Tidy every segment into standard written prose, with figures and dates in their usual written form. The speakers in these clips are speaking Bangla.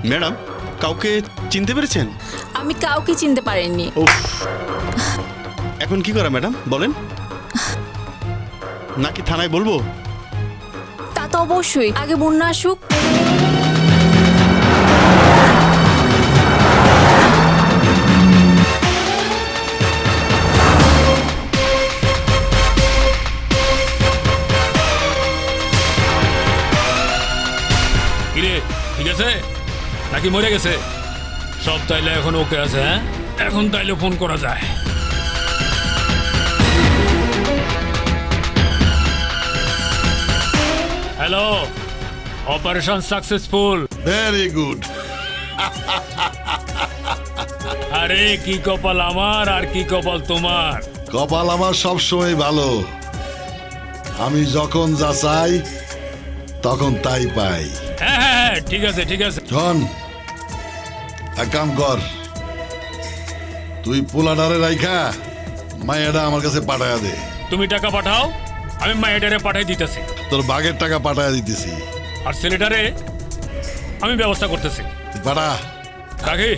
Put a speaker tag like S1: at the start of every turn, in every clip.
S1: ম্যাডাম, কাউকে চিনতে পেরেছেন?
S2: আমি কাউকে চিনতে পারিনি।
S1: এখন কি করা ম্যাডাম বলেন? নাকি থানায় বলবো?
S2: তা তো অবশ্যই, আগে বন্যা আসুক।
S3: কিরে, ঠিক আছে নাকি মরে গেছে? সব তাইলে এখন ওকে আছে? হ্যাঁ, এখন তাইলে ফোন করা যায়। Hello, operation successful.
S4: Very good.
S3: আরে কি কপাল আমার আর কি কপাল তোমার।
S4: কপাল আমার সব সময় ভালো। আমি যখন যা চাই তখন তাই পাই।
S3: হ্যাঁ হ্যাঁ হ্যাঁ, ঠিক আছে ঠিক আছে।
S4: শোন, এক কাম কর, তুই পোলাডারে রাইখা মায়েরা আমার কাছে পাঠায়া দে।
S3: তুমি টাকা পাঠাও, আমি মায়েডারে পাঠাই দিতেছি।
S4: তোর বাঘের টাকা পাঠায়া দিতেছি।
S3: আর ছেলেটারে আমি ব্যবস্থা করতেছি।
S4: তুই পাঠা।
S3: কাকি,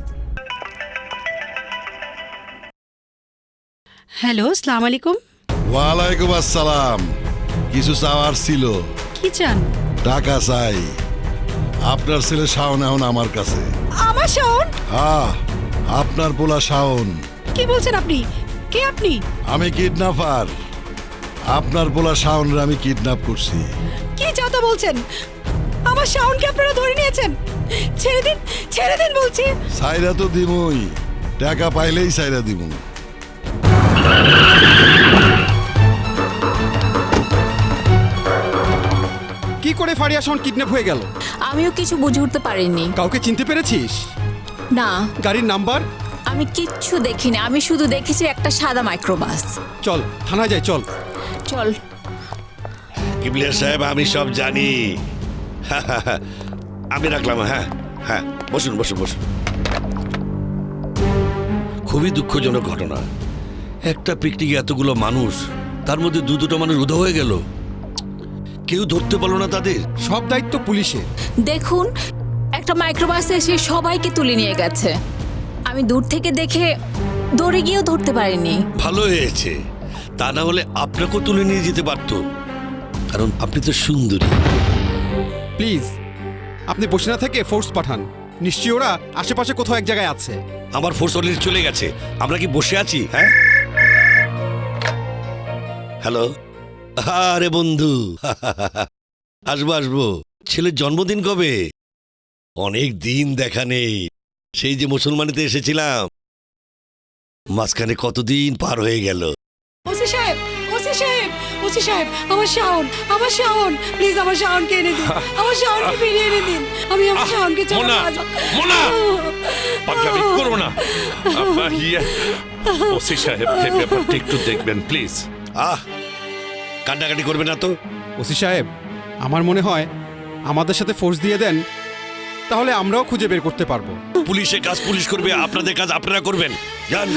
S5: হ্যালো, আসসালামু আলাইকুম।
S4: ওয়ালাইকুম আসসালাম। কিছু চাওয়ার ছিল।
S5: কি চান?
S4: টাকা চাই। আপনার ছেলে শাওন এখন আমার কাছে।
S5: আমার শাওন?
S4: হ্যাঁ, আপনার পোলা শাওন।
S5: কি বলছেন আপনি? কে আপনি?
S4: আমি কিডন্যাপার। আপনার পোলা শাওনরে আমি কিডন্যাপ করছি।
S5: কি চাতা বলছেন? আমার শাওনকে আপনারা ধরে নিয়েছেন? ছেড়ে দিন বলছি।
S4: সাইরা তো দিমুই, টাকা পাইলেই সাইরা দিমু।
S1: কি করে ফারিয়া শাওন কিডন্যাপ হয়ে গেল?
S2: আমিও কিছু বুঝে উঠতে পারিনি।
S1: কাউকে চিনতে পেরেছিস?
S2: না,
S1: গাড়ির নাম্বার?
S2: আমি কিচ্ছু দেখিনি, আমি শুধু দেখেছি একটা সাদা মাইক্রোবাস।
S1: চল থানায় যাই, চল।
S2: চল।
S6: কিবলিয়া সাহেব, আমি সব জানি। আমি রাখলাম। হ্যাঁ হ্যাঁ, বসুন বসুন বসুন। খুবই দুঃখজনক ঘটনা। একটা পিকনিকে এতগুলো মানুষ, তার মধ্যে দুটো মানুষ উধাও হয়ে গেল। কেউ ধরতে পারলো না তাদের।
S1: সব দায়িত্ব পুলিশের।
S2: দেখুন, একটা মাইক্রোবাসে এসে সবাইকে তুলে নিয়ে গেছে। আমি দূর থেকে দেখে দৌড়ে গিয়েও ধরতে পারিনি।
S6: ভালো হয়েছে, তা না হলে আপনাকেও তুলে নিয়ে যেতে পারতো, কারণ আপনি তো সুন্দরী।
S1: প্লিজ আপনি বসে না থেকে ফোর্স পাঠান। নিশ্চয়ই ওরা আশেপাশে কোথাও এক জায়গায় আছে।
S6: আমার ফোর্স অলরেডি চলে গেছে, আমরা কি বসে আছি? হ্যাঁ, হ্যালো। আরে বন্ধু, আসবো আসবো। ছেলের জন্মদিন কবে? অনেক দিন দেখা নেই। সেই যে মুসলমানিতে এসেছিলাম, মাঝখানে কতদিন পার হয়ে গেল।
S5: ওসি সাহেব, ওসি সাহেব, ওসি সাহেব, আমার শাওন, প্লিজ আমার শাওনকে এনে দিন। আমার শাওনকে ফিরিয়ে এনে দিন। আমি আমার শাওনকে চাই।
S7: মোনা, পাগলামি করো না। ওসি সাহেব, এই ব্যাপারটা একটু দেখবেন প্লিজ।
S6: কান্নাকাটি করবে না তো?
S1: ওসি সাহেব, আমার মনে হয় আমাদের সাথে ফোর্স দিয়ে দেন, তাহলে আমরাও খুঁজে বের করতে পারবো।
S6: পুলিশের কাজ পুলিশ করবে, আপনাদের কাজ আপনারা করবেন। যান।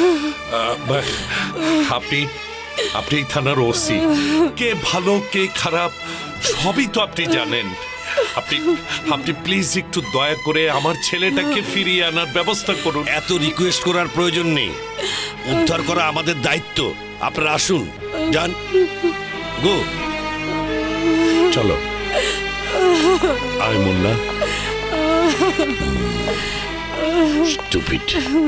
S7: আপনি এই থানার ওসি, কে ভালো কে খারাপ সবই তো আপনি জানেন। আপনি প্লিজ একটু দয়া করে আমার ছেলেটাকে ফিরিয়ে আনার ব্যবস্থা করুন।
S6: এত রিকোয়েস্ট করার প্রয়োজন নেই, উদ্ধার করা আমাদের দায়িত্ব। আপনারা আসুন, যান, গো।
S7: চলো আয় মুন্না।
S6: স্টুপিড।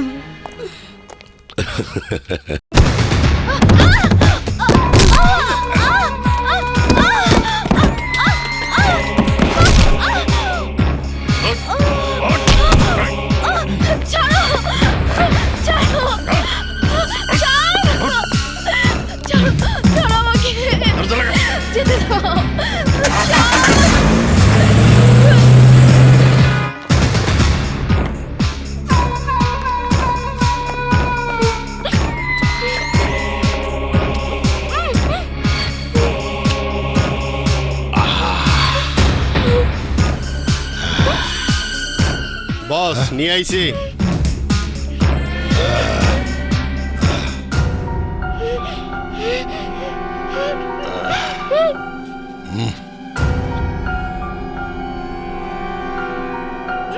S1: বস নিয়ে আইছি।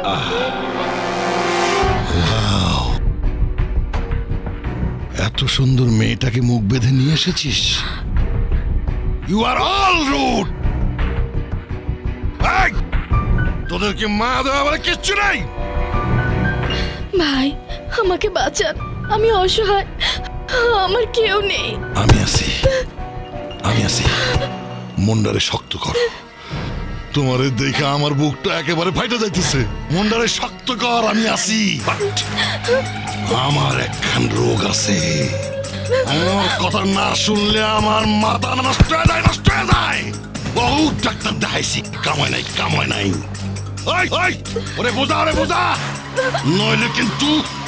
S4: এত সুন্দর মেয়েটাকে মুখ বেঁধে নিয়ে এসেছিস। You are all rude. তোদের কি মা দেওয়া বলে কিচ্ছু নাই?
S8: ভাই আমাকে বাঁচান, আমি অসহায়, আমার কেউ নেই।
S4: আমি আছি। মন্ডারে শক্ত কর। তোমারে দেখে আমার বুকটা একেবারে ফাইটে যাইতেছে। মন্ডারে শক্ত কর, আমি আছি। আমার একখান রোগ আছে, আমার কথা না শুনলে আমার মাথা নষ্ট হয়ে যায়। বহু ডাক্তার দেখাইছি, কামায় নাই। ওই ওরে বোঝা, নইলে কিন্তু